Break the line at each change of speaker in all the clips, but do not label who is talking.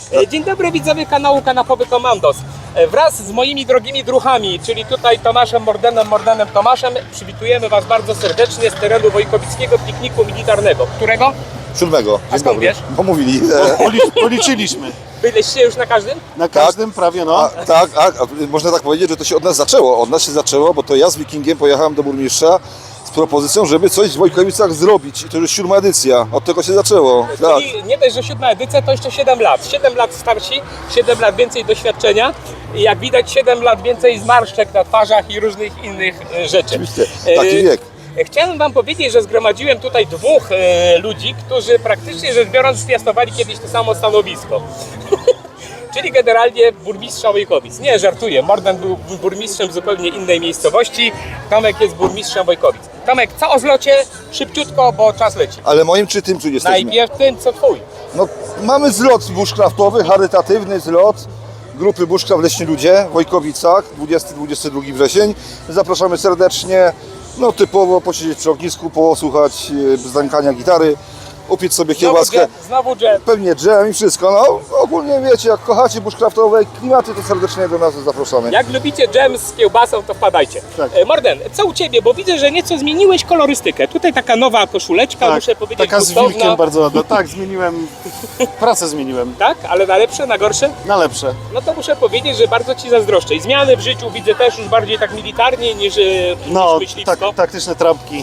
Dzień dobry widzowie kanału Kanapowy Komandos. Wraz z moimi drogimi druchami, czyli tutaj Tomaszem Mordenem Tomaszem, przywitujemy Was bardzo serdecznie z terenu Wojkowickiego Pikniku Militarnego. Którego?
7.
A skąd wiesz?
Bo mówili.
Policzyliście.
Byliście już na każdym?
Na każdym prawie, no.
A można tak powiedzieć, że to się od nas zaczęło. Od nas się zaczęło, bo to ja z Wikingiem pojechałem do burmistrza z propozycją, żeby coś w Wojkowicach zrobić. I to już 7. edycja. Od tego się zaczęło. Tak.
Czyli nie dość, że 7. edycja, to jeszcze 7 lat. 7 lat starsi, 7 lat więcej doświadczenia i jak widać 7 lat więcej zmarszczek na twarzach i różnych innych rzeczy.
Oczywiście, taki wiek.
Chciałem Wam powiedzieć, że zgromadziłem tutaj dwóch ludzi, którzy praktycznie rzecz biorąc piastowali kiedyś to samo stanowisko. Czyli generalnie burmistrza Wojkowic. Nie, żartuję. Morden był burmistrzem zupełnie innej miejscowości. Tomek jest burmistrzem Wojkowic. Tomek, co o zlocie? Szybciutko, bo czas leci.
Ale moim czy tym, czy jesteśmy?
Najpierw tym, co twój.
No, mamy zlot bushcraftowy, charytatywny zlot grupy Bushcraft Leśni Ludzie w Wojkowicach, 20-22 wrzesień. Zapraszamy serdecznie. No typowo posiedzieć przy ognisku, posłuchać zdańkania gitary, upiec sobie kiełbaskę.
Znowu dżem.
Pewnie dżem i wszystko. No ogólnie wiecie, jak kochacie bushcraftowe klimaty, to serdecznie do nas zapraszamy.
Jak lubicie dżem z kiełbasą, to wpadajcie.
Tak.
Morden, co u Ciebie? Bo widzę, że nieco zmieniłeś kolorystykę. Tutaj taka nowa koszuleczka, muszę powiedzieć,
taka z
gustowna.
wilkiem bardzo ładna. Tak, zmieniłem, pracę zmieniłem,
Tak? Ale na lepsze, na gorsze?
na lepsze.
No to muszę powiedzieć, że bardzo Ci zazdroszczę. I zmiany w życiu widzę też już bardziej tak militarnie niż
No,
myśliwsko.
taktyczne trampki.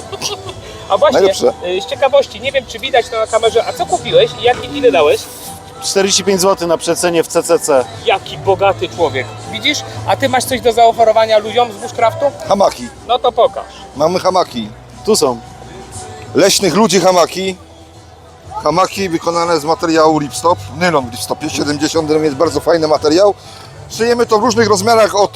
A właśnie,
Najlepsze.
z ciekawości, nie wiem czy widać to na kamerze, a co kupiłeś i ile dałeś?
45 zł na przecenie w CCC.
Jaki bogaty człowiek. Widzisz? A Ty masz coś do zaoferowania ludziom z bushcraftu?
Hamaki.
No to pokaż.
Mamy hamaki.
Tu są.
Leśnych ludzi hamaki. Hamaki wykonane z materiału ripstop. Nylon w ripstopie 70 jest bardzo fajny materiał. Szyjemy to w różnych rozmiarach od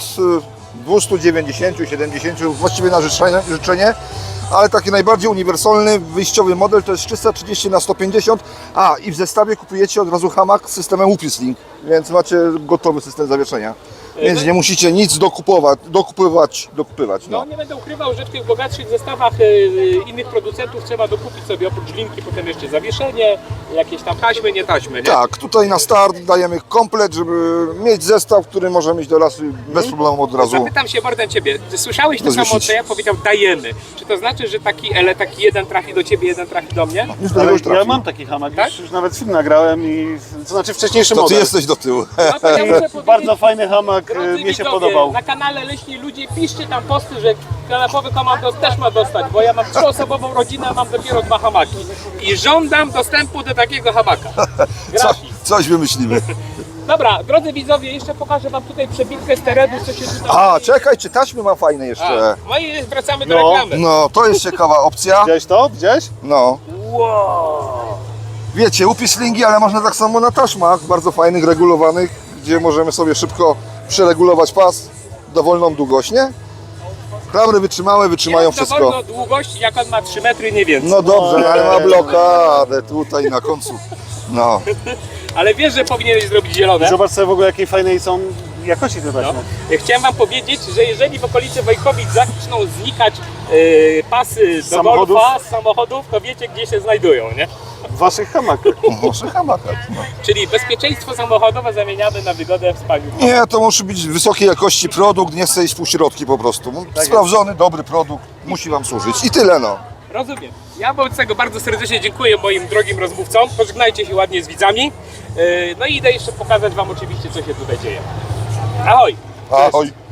290, 70, właściwie na życzenie. Ale taki najbardziej uniwersalny, wyjściowy model to jest 330 na 150. A i w zestawie kupujecie od razu hamak z systemem UPIS-Link, więc macie gotowy system zawieszenia. Więc nie musicie nic dokupywać.
No nie będę ukrywał, że w tych bogatszych zestawach innych producentów trzeba dokupić sobie oprócz linki potem jeszcze zawieszenie, jakieś tam taśmy, nie taśmy, nie?
Tak, tutaj na start dajemy komplet, żeby mieć zestaw, który możemy iść do lasu bez problemu od razu.
Zapytam się Morden Ciebie, Ty słyszałeś to samo,
Rozwiesić.
co ja powiedział dajemy. Czy to znaczy, że taki jeden trafi do Ciebie, jeden trafi do mnie?
Już do
Ale
już
ja
trafi.
mam taki hamak,
Tak?
już nawet film nagrałem i to znaczy wcześniejszy
To ty
model.
jesteś do tyłu.
No to ja muszę powiedzieć,
Bardzo fajny hamak,
drodzy
mnie się
widzowie,
podobał.
Na kanale Leśni Ludzie piszcie tam posty, że Kanapowy Komandos też ma dostać, bo ja mam 3-osobową rodzinę, a mam dopiero 2 hamaki. I żądam dostępu do takiego hamaka. Gratis.
Coś wymyślimy.
Dobra, drodzy widzowie, jeszcze pokażę Wam tutaj przebitkę z terenu, co się tutaj...
A, czekaj, czy taśmy ma fajne jeszcze?
No i wracamy do
No.
reklamy.
No, to jest ciekawa opcja.
Widziałeś to? Widziałeś?
No.
Wow.
Wiecie, UPIS-linki, ale można tak samo na taśmach, bardzo fajnych, regulowanych, gdzie możemy sobie szybko przeregulować pas, dowolną długość, nie? Klamry wytrzymają
Ja
wszystko.
dowolną długość, jak on ma 3 metry, nie więcej.
No dobrze, ale ma blokadę tutaj na końcu. No.
Ale wiesz, że powinieneś zrobić zielone?
Zobacz sobie w ogóle jakiej fajnej są jakości te
No.
taśmy.
Chciałem Wam powiedzieć, że jeżeli w okolicy Wojkowic zaczną znikać pasy do
Samochodów?
golfa, z samochodów, to wiecie, gdzie się znajdują, nie?
W waszych hamakach.
Może hamakach. No.
Czyli bezpieczeństwo samochodowe zamieniamy na wygodę w spaniu.
Nie, to musi być wysokiej jakości produkt, nie chce iść w półśrodki po prostu. Sprawdzony, dobry produkt, musi Wam służyć. I tyle, no.
Rozumiem. Ja wobec tego bardzo serdecznie dziękuję moim drogim rozmówcom. Pożegnajcie się ładnie z widzami. No i idę jeszcze pokazać Wam oczywiście, co się tutaj dzieje. Ahoj!
Ahoj.